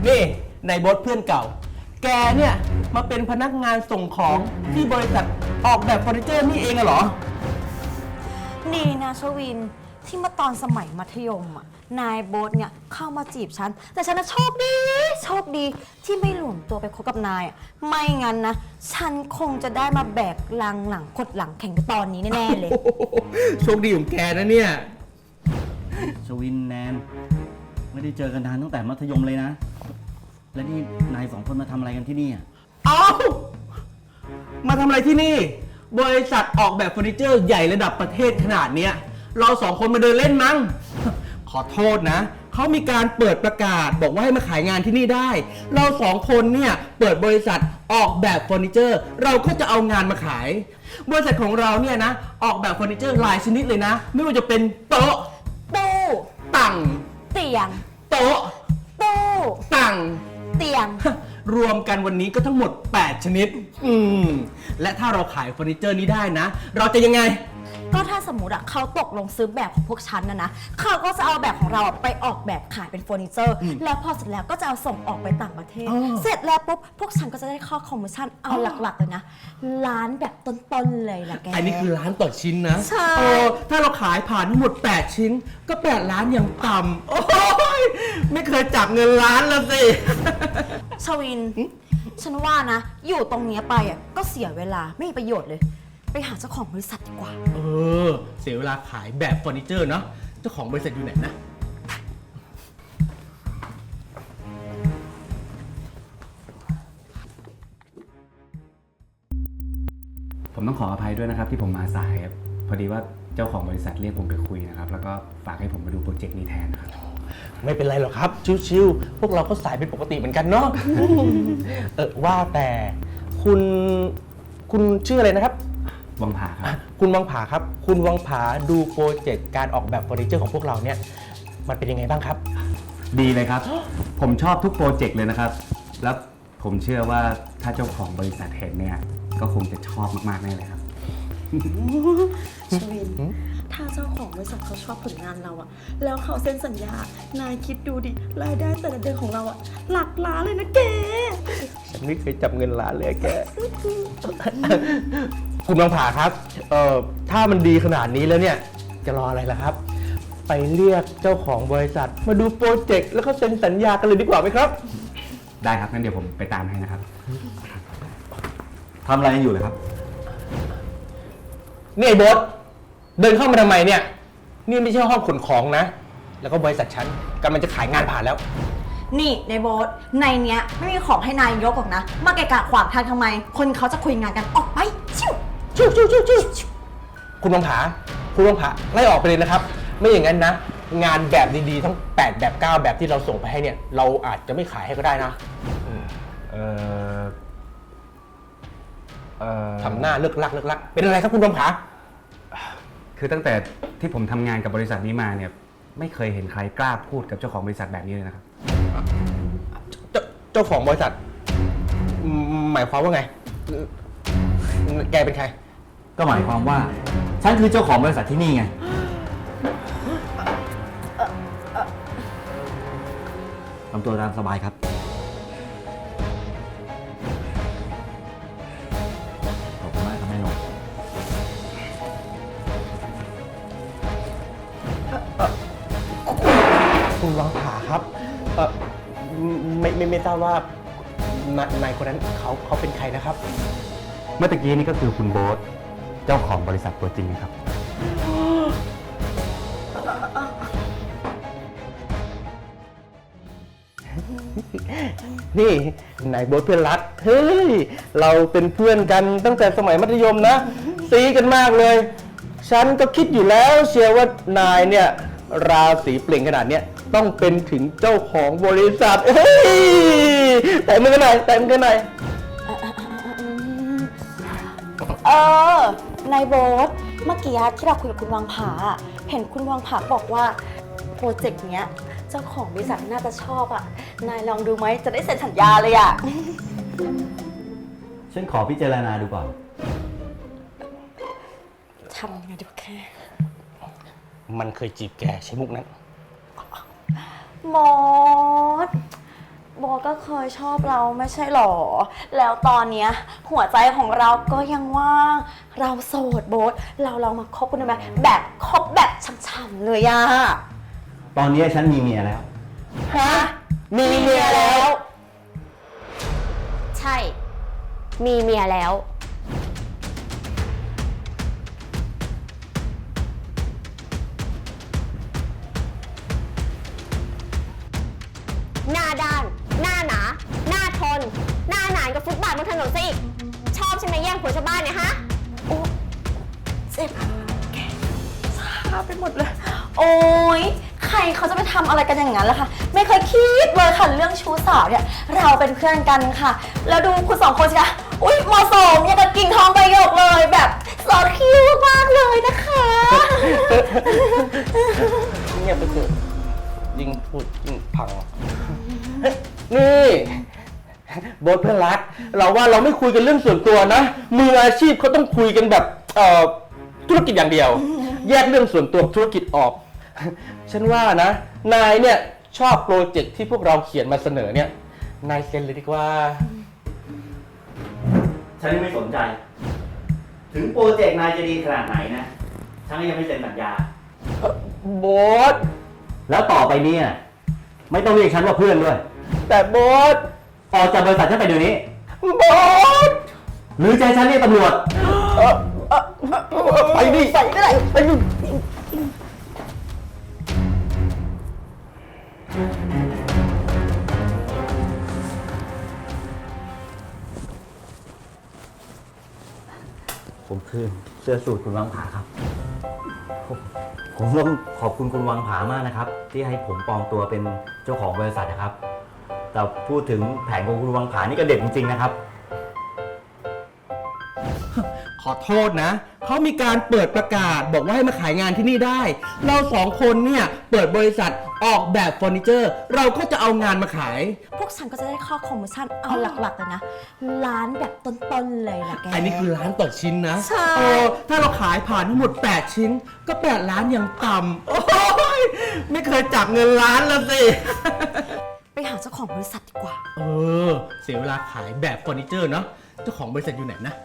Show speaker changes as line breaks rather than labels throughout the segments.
นี่นายบอสเพื่อนเก่า แกเนี่ยมาเป็นพนักงานส่งของที่บริษัทออกแบบเฟอร์นิเจอร์นี่เองเหรอ
ดีนะชวินที่เมื่อตอนสมัยมัธยมอ่ะนายโบ๊ทเนี่ยเข้ามาจีบฉันแต่ฉันน่ะโชคดีที่ไม่หลวมตัวไปคบกับนายอ่ะไม่งั้นนะฉันคงจะได้มาแบกลังหลังกดหลังแข่งกับตอนนี้แน่ๆเลย
โชคดีของแกนะเนี่ย
ชวินแนนไม่ได้เจอกันนานตั้งแต่มัธยมเลยนะ และนี่นายสองคนมาทำอะไรกันที่นี่อ่ะ
เอ้ามาทำอะไรที่นี่ บริษัทออกแบบเฟอร์นิเจอร์ใหญ่ระดับประเทศขนาดเนี้ยเราสองคนมาเดินเล่นมั้ง ขอโทษนะเขามีการเปิดประกาศบอกว่าให้มาขายงานที่นี่ได้ เราสองคนเนี่ยเปิดบริษัทออกแบบเฟอร์นิเจอร์เราก็จะเอางานมาขาย บริษัทของเราเนี่ยนะออกแบบเฟอร์นิเจอร์หลายชนิดเลยนะ ไม่ว่าจะเป็นโต๊ะ
ตู้
ตั่ง
เตียง
โต๊ะ
ตู้
ตั่ง
เตียง
รวมกันวันนี้ก็ทั้งหมด 8 ชนิด และถ้าเราขายเฟอร์นิเจอร์นี้ได้นะ เราจะยังไง
ก็ถ้าสมมติอะเขาตกลงซื้อแบบของพวกฉันนะเขาก็จะเอาแบบของเราไปออกแบบขายเป็นเฟอร์นิเจอร์แล้วพอเสร็จแล้วก็จะเอาส่งออกไปต่างประเทศ เสร็จแล้วปุ๊บพวกฉันก็จะได้ข้อคอมมิชชั่นเอาหลักๆเลยนะล้านแบบต้นๆเลยล่ะแก
อันนี้คือล้านต่อชิ้นนะ
ใช่
ถ้าเราขายผ่านทั้งหมด 8 ชิ้น ก็ 8 ล้านอย่างต่ำโอ้ยไม่เคยจับเงินล้านแล้วสิ
ชวิน ฉันว่านะ อยู่ตรงเนี้ยไปอะก็เสียเวลาไม่มีประโยชน์เลย ไปหาเจ้าของบริษัทดีกว่า
เสียเวลาขายแบบเฟอร์นิเจอร์เนาะ เจ้าของบริษัทอยู่ไหนนะ
ผมต้องขออภัยด้วยนะครับที่ผมมาสายครับพอดีว่าเจ้าของบริษัทเรียกผมไปคุยนะครับแล้วก็ฝากให้ผมมาดูโปรเจกต์นี้แทนนะครับ
ไม่เป็นไรหรอกครับ ชิวๆพวกเราก็สายเป็นปกติเหมือนกันเนาะ ว่าแต่คุณชื่ออะไรนะครับ
วังผาครับ
คุณวังผาครับ คุณวังผาดูโปรเจกต์การออกแบบเฟอร์นิเจอร์ของพวกเราเนี่ยมันเป็นยังไงบ้างครับ
ดีเลยครับ ผมชอบทุกโปรเจกต์เลยนะครับ แล้วผมเชื่อว่าถ้าเจ้าของบริษัทเห็นเนี่ยก็คงจะชอบมากๆแน่เลยครับ
ชวิน ถ้าเจ้าของบริษัทเขาชอบผลงานเราอะแล้วเขาเซ็นสัญญา นายคิดดูดิ รายได้แต่ละเดือนของเราอะหลักล้านเลยนะแก
ฉันไม่เคยจับเงินล้านเลยแก คุณวังผาครับ ถ้ามันดีขนาดนี้แล้วเนี่ย จะรออะไรล่ะครับ ไปเรียกเจ้าของบริษัทมาดูโปรเจกต์แล้วก็เซ็นสัญญากันเลยดีกว่าไหมครับ
ได้ครับงั้นเดี๋ยวผมไปตามให้นะครับทำอะไรอยู่เลยครับ
นี่ไอ้โบ๊ทเดินเข้ามาทำไมเนี่ย นี่ไม่ใช่ห้องขนของนะ แล้วก็บริษัทฉันกำลังจะขายงานผ่านแล้ว
นี่ในโบสในเนี้ยไม่มีของให้นายยกหรอกนะ มาแกะกะขวางทางทำไม คนเขาจะคุยงานกันออกไปชิว
ชิวคุณวังผาไล่ออกไปเลยนะครับ ไม่อย่างนั้นนะ งานแบบดีๆทั้ง8แบบ9แบบที่เราส่งไปให้เนี่ย เราอาจจะไม่ขายให้ก็ได้นะทำหน้าเลิกลักเป็นอะไรครับคุณวังผา
คือตั้งแต่ที่ผมทำงานกับบริษัทนี้มาเนี่ยไม่เคยเห็นใครกล้าพูดกับเจ้าของบริษัทแบบนี้เลยนะครับ
เจ้าของบริษัทหมายความว่าไง แกเป็นใคร
ก็หมายความว่าฉันคือเจ้าของบริษัทที่นี่ไงทำตัวตามสบายครับขอบคุณมากครับแม่นก
คุณวังผาครับไม่ทราบว่านายคนนั้นเขาเป็นใครนะครับ
เมื่อตะกี้นี่ก็คือคุณโบ๊ทเจ้าของบริษัทตัวจริงนะครับ
นี่นายโบ๊ทเพื่อนรักเฮ้ยเราเป็นเพื่อนกันตั้งแต่สมัยมัธยมนะซีกันมากเลย ฉันก็คิดอยู่แล้วเชียร์ว่านายเนี่ยราศีเปล่งขนาดเนี้ยต้องเป็นถึงเจ้าของบริษัทเฮ้ยแต่มือกันหน่อย
ในโบสเมื่อกี้ที่เราคุยกับคุณวังผาเห็นคุณวังผาบอกว่าโปรเจกต์เนี้ยเจ้าของบริษัทน่าจะชอบอ่ะ นายลองดูไหมจะได้เซ็นสัญญาเลยอ่ะ
ฉันขอพิจารณาดูก่อน
ทำยังไงดีวะแค่
มันเคยจีบแกใช้มุกนั้น
มอสโบทก็เคยชอบเราไม่ใช่หรอ แล้วตอนเนี้ยหัวใจของเราก็ยังว่าง เราโสดโบทเราลองมาคบกันได้ไหมแบบคบแบบช่ำๆเลยอะ
ตอนนี้ฉันมีเมียแล้ว
ฮะ มีเมียแล้ว
ใช่ มีเมียแล้ว หน้าด้าน หน้าหนา หน้าทน หน้าหนานกับฟุตบาทบนถนนซะอีก ชอบใช่ไหมแย่งผัวชาวบ้านเนี่ยฮะ
เจ็บแกชาไปหมดเลย โอ้ยใครเขาจะไปทำอะไรกันอย่างนั้นล่ะคะ ไม่เคยคิดเลยค่ะเรื่องชู้สาวเนี่ย เราเป็นเพื่อนกันค่ะ แล้วดูคุณสองคนสิคะอุ๊ยเหมาะสมอย่างกับกิ่งทองใบหยกเลยแบบสอดคิ้วมากเลยนะคะ
เงียบไปเถอะยิ่งพูดยิ่งพัง นี่โบ๊ทเพื่อนรัก เราว่าเราไม่คุยกันเรื่องส่วนตัวนะ มืออาชีพเขาต้องคุยกันแบบธุรกิจอย่างเดียว แยกเรื่องส่วนตัวธุรกิจออก ฉันว่านะ นายเนี่ยชอบโปรเจกต์ที่พวกเราเขียนมาเสนอเนี่ย นายเซ็นเลยดีกว่า
ฉันยังไม่สนใจ ถึงโปรเจกต์นายจะดีขนาดไหนนะ ฉันก็ยังไม่เซ็นสัญญา
โบ๊ท
แล้วต่อไปเนี่ยไม่ต้องเรียกฉันว่าเพื่อนด้วย
แต่โบ๊ท
ออกจากบริษัทฉันไปเดี๋ยวนี้
โบ๊ท
หรือจะให้ฉันเรียกตำรวจ
ไปดิไปก็ได้ไปดิ
ผมคือเสื้อสูทคุณวังผาครับ ผมต้องขอบคุณคุณวังผามากนะครับ ที่ให้ผมปลอมตัวเป็นเจ้าของบริษัทนะครับ แต่พูดถึงแผนของคุณวังผานี่ก็เด็ดจริงๆนะครับ
ขอโทษนะ เขามีการเปิดประกาศบอกว่าให้มาขายงานที่นี่ได้ เราสองคนเนี่ยเปิดบริษัทออกแบบเฟอร์นิเจอร์ เราก็จะเอางานมาขาย
พวกฉันก็จะได้ค่าคอมมิชชั่นเอาหลักๆเลยนะล้านแบบต้นๆเลยนะแก
อันนี้คือล้านต่อชิ้นนะ
ใช่
ถ้าเราขายผ่านทั้งหมด 8 ชิ้น ก็ 8 ล้านอย่างต่ำโอ้ยไม่เคยจับเงินล้านแล้วสิ
ไปหาเจ้าของบริษัทดีกว่า
เสียเวลาขายแบบเฟอร์นิเจอร์เนาะ เจ้าของบริษัทอยู่ไหนนะ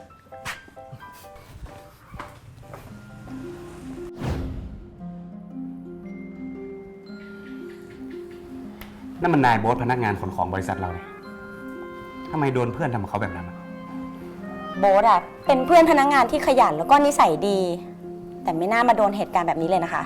นั่นมันนายโบ๊ทพนักงานขนของบริษัทเราเนี่ยทำไมโดนเพื่อนทำกับเขาแบบนั้นอะ
โบ๊ทอะเป็นเพื่อนพนักงานที่ขยันแล้วก็นิสัยดี แต่ไม่น่ามาโดนเหตุการณ์แบบนี้เลยนะคะ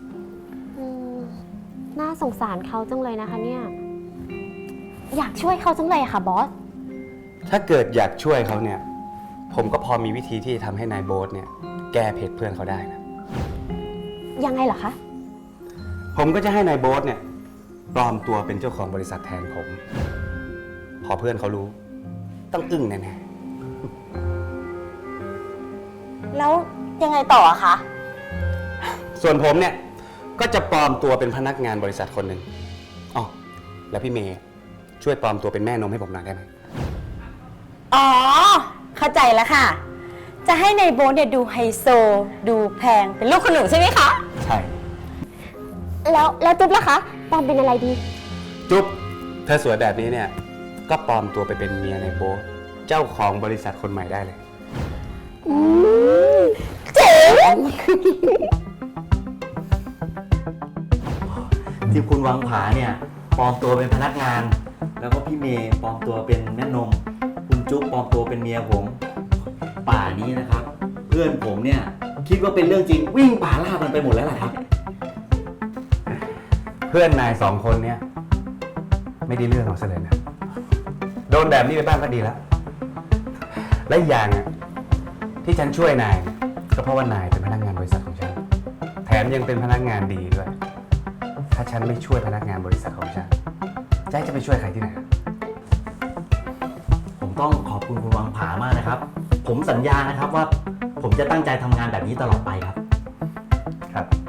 น่าสงสารเขาจังเลยนะคะเนี่ย อยากช่วยเขาจังเลยอะค่ะบอส
ถ้าเกิดอยากช่วยเขาเนี่ย ผมก็พอมีวิธีที่จะทำให้นายโบ๊ทเนี่ย แก้เพจเพื่อนเขาได้นะ
ยังไงเหรอคะ
ผมก็จะให้นายโบ๊ทเนี่ยปลอมตัวเป็นเจ้าของบริษัทแทนผม พอเพื่อนเขารู้ ต้องอึ้งแน่
แล้วยังไงต่ออะคะ
ๆส่วนผมเนี่ยก็จะปลอมตัวเป็นพนักงานบริษัทคนหนึ่งอ๋อแล้วพี่เมย์ช่วยปลอมตัวเป็นแม่นมให้ผมหน่อยได้ไหม
อ๋อ เข้าใจแล้วค่ะ จะให้ในายโบ๊ทเนี่ยดูไฮโซ ดูแพงเป็นลูกคนหนูใช่ไหมคะ
ใช่
แล้วจุ๊บล่ะคะปอมเป็นอะไรดี
จุ๊บเธอสวยแบบนี้เนี่ย ก็ปลอมตัวไปเป็นเมียนายโบ๊ทเจ้าของบริษัทคนใหม่ได้เลย
เจ๋ง
ที่คุณวังผาเนี่ยปลอมตัวเป็นพนักงาน แล้วก็พี่เมย์ปลอมตัวเป็นแม่นม คุณจุ๊บปลอมตัวเป็นเมียผม ป่านี้นะครับ เพื่อนผมเนี่ยคิดว่าเป็นเรื่องจริงวิ่งป่าล่ามันไปหมดแล้วล่ะครับ
เพื่อนนายสองคนเนี่ยไม่ได้เรื่องเอาซะเลยนะ โดนแบบนี้ไปบ้างก็ดีแล้ว และอีกอย่างอะที่ฉันช่วยนายเนี่ยก็เพราะว่านายเป็นพนักงานบริษัทของฉัน แถมยังเป็นพนักงานดีด้วย ถ้าฉันไม่ช่วยพนักงานบริษัทของฉันจะไปช่วยใครที่ไหน
ผมต้องขอบคุณคุณวังผามากนะครับ ผมสัญญานะครับว่าผมจะตั้งใจทำงานแบบนี้ตลอดไปครับ
ครับ